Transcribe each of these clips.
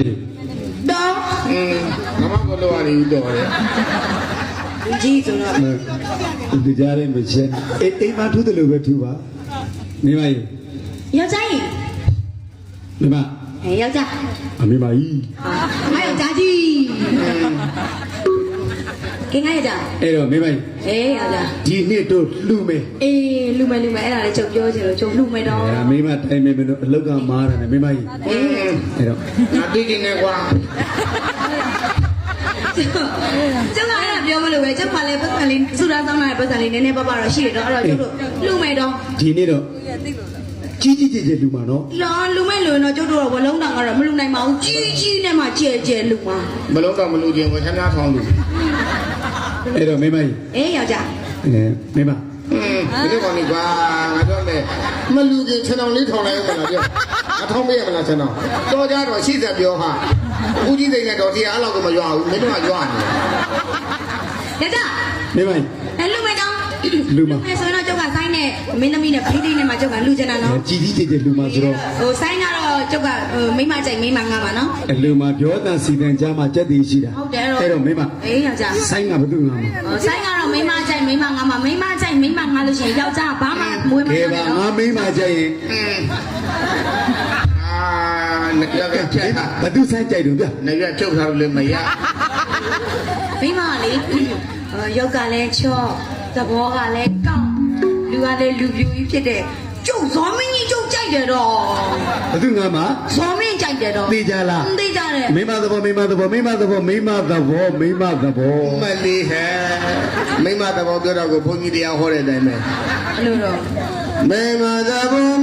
တော့ငါမကလောရည်တော့တယ်ကြီးဆိုတော့ဒီကြားရင်မချင်းအိမ်မှာထူးတယ်လို့ပဲထူးပါမိမကြီးယောက်ျားကြီးမိမယောက်ျားမိမကြီးငါယောက်ျားကြီးကဲငါယောက်ျားအဲ့တော့မိမကြီးယောက်ျားဒီနှစ်တို့လှူမယ်လှူမယ်အဲ့ဒါလည်းချုပ်ပြောချင်လို့ချုပ်လှူမယ်တော့မိမတိုင်မယ်မလို့အလောက်ကမားတယ်မိမကြီးအဲ့တော့ငါတိတိနဲ့ကွာကျုပ်ကအဲ့ဒါပြောမလို့ပဲကျုပ်ကလည်းပတ်စံလေးစူတာတောင်းတဲ့ပတ်စံလေးနည်းနည်းပါးပါတော့ရှိတယ်တော့အဲ့တော့ကျုပ်တို့လှူမယ်တော့ဒီနေ့တော့ကြီးလူမှာနော်လူမဲ့လူတော့ကျုပ်တို့တော့ဘလုံးတောင်ကတော့မလူနိုင်ပါဘူးကြီးနဲ့မှကျဲလူမှာဘလုံးတောင်မလူခြင်းဝထမ်းသားထောင်းလူအဲ့တော့မိမကြီးယောက်ျားမိမဒီကောင်ကြီးကွာငါပြောမယ်မလူခြင်းခြံတော်လေးထောင်းလိုက်ဦးမလားပြောအထောင်းမေးရမလားခြံတော်တော်ကြတော့ရှိသက်ပြောဟာဦးကြီးသိနေတော့တရားအဲ့လောက်ကိုမရွာဘူးမင်းတို့ကရွာနေယောက်ျားမိမကြီးလူမဲ့တော့လူမဆိုတော့ကျုပ်ကဆိုင်းနဲ့မင်းသမီးနဲ့ဖိသိနဲ့မှကျုပ်ကလူချင်တာနော်ကြီးလူမဆိုတော့ဆိုင်းကတော့ကျုပ်ကမိမကြိုက်မိမငါပါနော်လူမပြောတဲ့စီတန်ကြားမှာကြက်တည်ရှိတာဟုတ်တယ်အဲ့တော့မိမယောက်ျားဆိုင်းကဘာလို့ငါမဆိုင်းကတော့မိမကြိုက်မိမငါပါမိမကြိုက်မိမငါလို့ရှိရင်ယောက်ျားဘာမှမွေးမနေတော့ငါမိမကြိုက်ရင်နကြကချက်ဘာသူဆိုင်ကြိုက်တော့ဗျနကြချုပ်ထားလို့မရမိမလေရုပ်ကလည်းချော့သဘောကလည်းကောင်းလူကလည်းလူပြူကြီးဖြစ်တဲ့ကျုပ်ဇော်မင်းကြီးကျုပ်ကြိုက်တယ်တော့ဘာသူငါမဇော်မင်းကြိုက်တယ်တော့သိကြလားသိကြတယ်မိမသဘောမလေးဟဲ့မိမသဘောပြောတော့ကိုဘုန်းကြီးတရားဟောတဲ့အတိုင်းပဲအဲ့လိုတော့မိမသဘော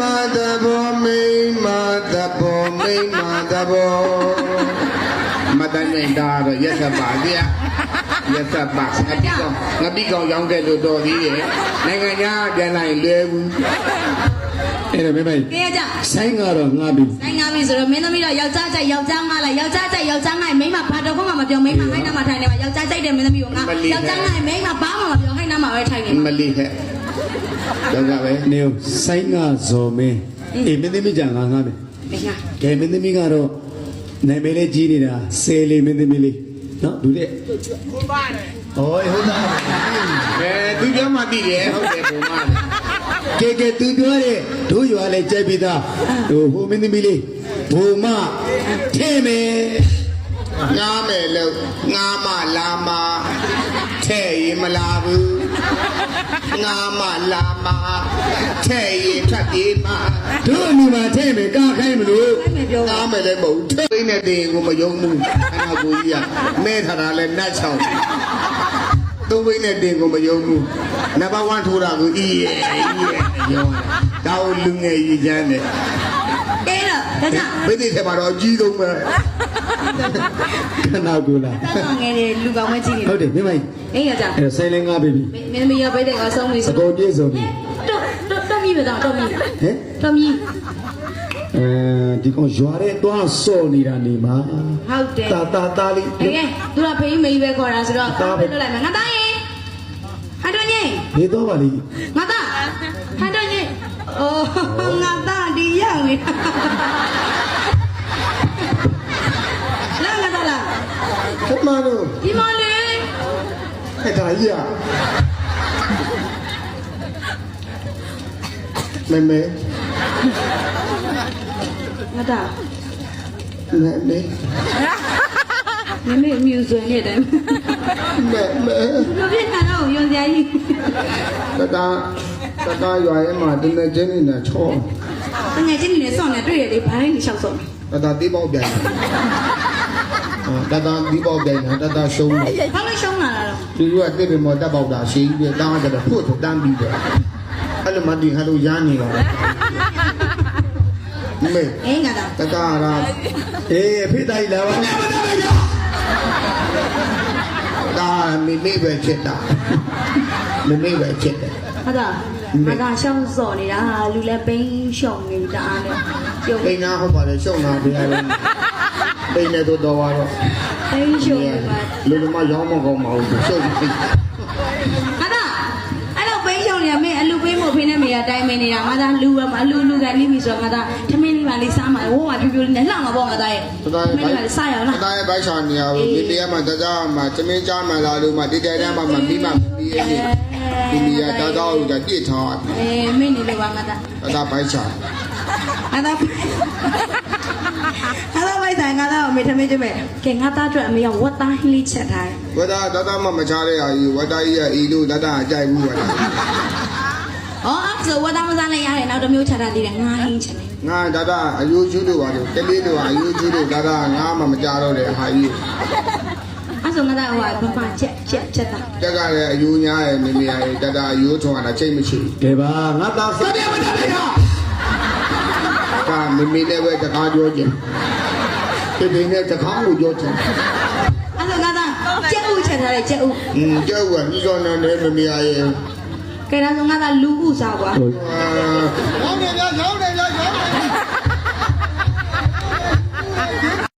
မတန်နေတာတော့ရက်ဆက်ပါဗျာရက်ဆက်ပါငပိကောင်ရောင်းခဲ့လို့တော်သေးရဲ့နိုင်ငံသားပြန်လာရင်လွယ်ဘူးအဲ့ဒါမိမကြီးကြဆိုင်ကတော့ငါပြီဆိုင်ငါပြီဆိုတော့မင်းသမီးတော့ယောက်ျားကြိုက်ယောက်ျားငါလိုက်ယောက်ျားကြိုက်ယောက်ျားငါမိန်းမဘာတော့မှမပြောမိန်းမဟိုင်းနာမှာထိုင်နေပါယောက်ျားကြိုက်တယ်မင်းသမီးကငါယောက်ျားငါမိန်းမဘာမှမပြောဟိုင်းနာမှာပဲထိုင်နေမလီဟဲ့တော့ကြပဲနေဆိုင်ကဇော်မင်းမင်းသမီးကြငါမယ်ကဲမင်းသမီးကတော့နိုင်မဲလေးကြီးနေတာဆယ်လေးမင်းသမီးလေးနော်ဒူတဲ့ဟုတ်ပါတယ်ဟုတ်သားသူပြောမှသိတယ်ဟုတ်တယ်ဘုံမကဲသူပြောတယ်တို့ရွာလဲကြိုက်ပြီးသားဟိုမင်းသမီးလေးဘုံမထဲ့မယ်ငားမယ်လို့ငားမလာမထဲ့ရင်မလာဘူးငားမလာမထဲ့ရင်ထပ်ပြေးမှာတို့အမှုမှာထဲ့မယ်ကားခိုင်းမလို့ငားမယ်လည်းမဟုတ်ထိတ်နေတဲ့တင်ကိုမယုံဘူးအဲ့ဒါကိုကြီးကမဲထားတာလဲနတ်ချောင်းသုံးဘိန်းနဲ့တင်ကိုမယုံဘူးနံပါတ်1ထိုးတာကိုရောဒါကိုလူငယ်ကြီးချမ်းတယ်အဲ့တော့ဒါဘိသိထဲမှာတော့အကြီးဆုံးပဲခဏကူလာငယ်တယ်လူကောင်းမကြီးဟုတ်တယ်မိမကြီးယောက်ျားအဲ့ဆိုင်လင်းငါပြီမင်းမရဘိသိကဆုံးပြီအကုန်ပြည့်စုံပြီတော့မြည်ပဲတော့မြည်ဟဲ့တော့မြည်ဒီကောင်ရွာတဲ့တွားစော်နေတာနေမှာဟုတ်တယ်တာလေးကဲသူကဖေးမေးပဲခေါ်တာဆိုတော့ဖေးလွတ်လိုက်မယ်ငါသားရင်ဟန်တော့ညင်နေတော့ပါလိငါသားဟန်တော့ညင်အိုးငါသားဒီရောက်နေလာငါသားလားဘုမတို့ဒီမလေးအဲ့ဒါကြီးอ่ะမဲငါသားမဲမြူဆွေနေတယ်ဘယ်နဲ့တော့ရုံစရာကြီးတရွာရဲ့မှာတနေ့ချင်းနေချောတနေ့ချင်းနေဆောင်းနေတွေ့ရလေဘာလဲနေလျှောက်ဆောင်းတီးပေါက်ပြန်တီးပေါက်ပြန်ရှုံးတယ်ဘာလို့ရှုံးလာတော့သူကတစ်ပင်မော်တက်ပေါက်တာရှင်းပြီးတန်းကြတော့ဖို့တန်းပြီးတယ်အဲ့လိုမှဒီဟာလို့ရနေတော့မေငါသားတကားရာအဖေတိုင်းလာပါဒါမိပဲချက်တာမိပဲချက်တယ်ဟုတ်တာငါသားရှောင်းစော်နေတာဟာလူလည်းပိန်းရှောင်းနေတာအားနဲ့ကျုပ်ပိန်းနာဟုတ်ပါလေရှောင်းတာတရားလုံးပိန်းနေတော့တော့ပိန်းရှောင်းပါလူတို့မှရောင်းမကောင်းမဟုတ်ဘူးရှောင်းငါသားအဲ့လိုပိန်းရှောင်းနေရမင်းအလူပိန်းမို့ဖိနေမေရတိုင်းမနေတာငါသားလူပဲမလူကလိပြီဆိုတော့ငါသားထမင်းလေးပါလေးစားမှာဝိုးဝါပြပြလေးနဲ့လှမှာပေါ့ငါသားရဲ့ထမင်းလေးပါလေးစားရအောင်လားတာရဲ့ဘိုက်ချာနေရဘူးမိမိရမှာတကြားမှာသမင်းကြားမှာလာလို့မှတိတဲတန်းမှာမိမမီးရဲ့မိမိရတာတော့ပြည့်ထားမင်းနေလို့ပါငါသားတာဘိုက်ချာငါသားပိုက်ဆိုင်ငါသားအမေထမင်းကျမဲကဲငါသားအတွက်အမေကဝတ်သားဟင်းလေးချက်ထားတယ်ဝဒါတမမချားတဲ့အာကြီးဝဒါကြီးရဲ့အီလို့တအကြိုက်ဘူးဝဒါဟောအဲ့ဆိုဝတ်သားမစားလိုက်ရတယ်နောက်တစ်မျိုးချက်ထားသေးတယ်ငါဟင်းချက်တယ်ငါဒါအယိုးကျူးလို့ပါလို့တလေးတို့အယိုးကျူးလို့ဒါငါမှမကြတော့တဲ့ဟာကြီးအဲ့ဆိုငါသားဟိုကဘာချက်တာတက်ကလည်းအယိုးညားရဲ့မိမိရဲ့ဒါအယိုးထုံတာချိန်မရှိကဲပါငါသားစတဲ့မတတ်လိုက်တာဒါမိမိလည်းပဲတကားပြောခြင်းဒီနဲ့တကားကိုပြောခြင်းအဲ့ဆိုငါသားကြက်ဥချက်ထားတယ်ကြက်ဥကျောက်ကညောင်းနေတယ်မိမိရဲ့ကဲဒါဆိုငါသားလူဥစားကွာဟောင်းနေဗျာဟောင်းနေ